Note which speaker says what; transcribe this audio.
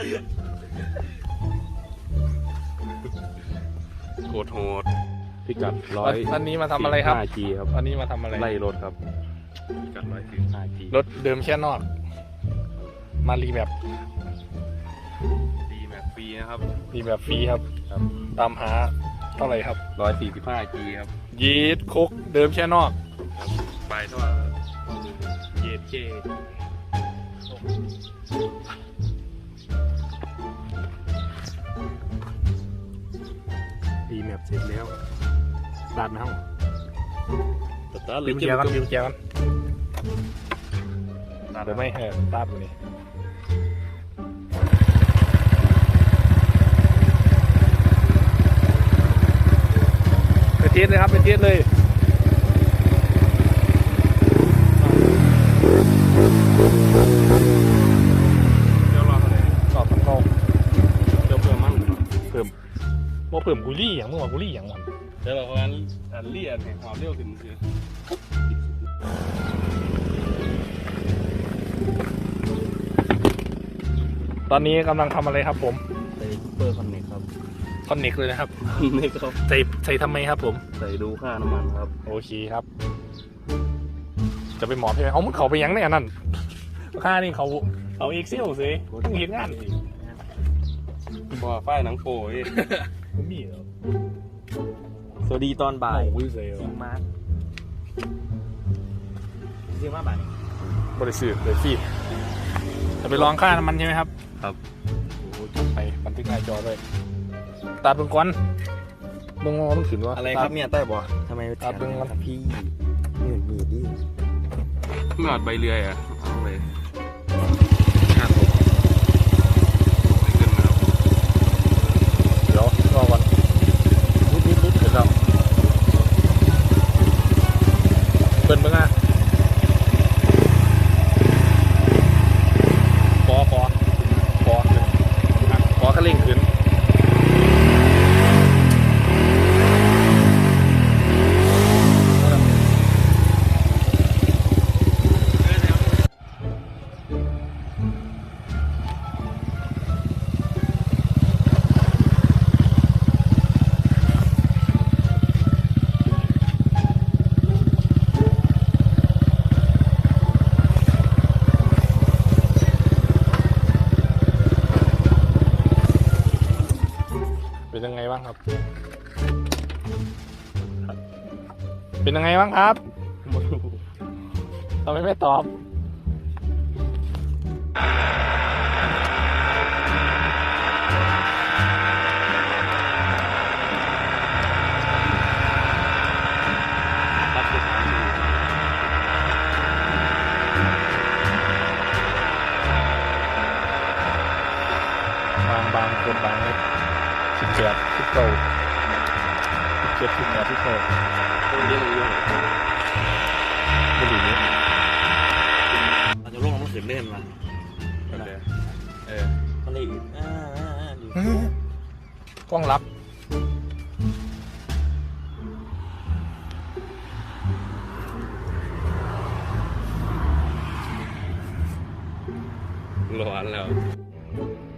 Speaker 1: โคตรโหดพิกัด
Speaker 2: วันนี้มาทำอะไรครับ
Speaker 1: 5G ครับ
Speaker 2: วันนี้มาทำอะไร
Speaker 1: ไล่รถครับพิกัด145G
Speaker 2: รถเดิมแค่นอก มารีแมป
Speaker 1: ดีแม็กฟรีนะครับ
Speaker 2: รีแมปฟรีครับ ตามหาเท่าไหร่ครับ
Speaker 1: 145G ครับ
Speaker 2: ยีดคุกเดิมแค่นอก
Speaker 1: ไปเท่าเยดเจ
Speaker 2: รีแมปเสร็จแล้วตัดนะ
Speaker 1: ตัด
Speaker 2: ลืมแกกันเดี๋ยวไม่ตัดอยู่นี่ไปเทสเลยครับไปเทสเลยเดี๋ยวรอเลยตอบทั้งกอง
Speaker 1: เดี๋ยวเพิ่มมัน
Speaker 2: เพิ่มกุลี่อย่างเมื่อวานกุลี่อย่างมัน
Speaker 1: เดี๋ยวเราพันเลียนให้ความเร็วขึ้นคือ
Speaker 2: ตอนนี้กำลังทำอะไรครับผม
Speaker 1: ใส่เปอร์คอนเนคครับ
Speaker 2: คอนเน็กเลยนะครับ
Speaker 1: นี่ครับ
Speaker 2: ใส่ทำไมครับผม
Speaker 1: ใส่ดูค่าน้ำมันครับ
Speaker 2: โอเคครับ จะไปหมอบใช่ไหมเอามันเขาไปยังเนี่ยนั่นค่านี่เขาเอ็กเซลสิต้องเห็นงานสิ
Speaker 1: บ่ฝ้ายหนังโป้ย
Speaker 2: ไม่มีเหรอ
Speaker 3: สวัสดีตอนบ่าย
Speaker 2: วิเซล
Speaker 3: ซิงมาร์ซิงมาบ่าย
Speaker 2: บริสุทธิ์เลยฟีดจะไปลองค่าน้ำมันใช่ไหมครับ
Speaker 1: ครับ
Speaker 2: โอ้จัดไปบันทึกหน้าจอด้วยตัดเป็นก้อนมึงมันขืนวะ
Speaker 3: อะไรครับเนี่ยใต้บ่ทำไม
Speaker 2: ตัดเป็นก้อน
Speaker 3: พี่นี่มีดิ
Speaker 1: เมื่อใบเรืออ่ะเอาเลยขึ้นมาครับ
Speaker 2: เดี๋ยวรอก่อนนิดเสร็จแล้วเปิดมึงอ่ะขอขลิ่งขึ้นเป็นยังไงบ้างครับ เป็นยังไงบ้างครับทำไมไม่ตอบ บางคนบางเลย18 19 17 18 19
Speaker 1: ตัวเยอะเลย
Speaker 2: บุหรี่นี้
Speaker 3: เราจะลงน้ำขืนเล่นมา มันเลย
Speaker 2: กล้องรับ
Speaker 1: ร้อนแล้ว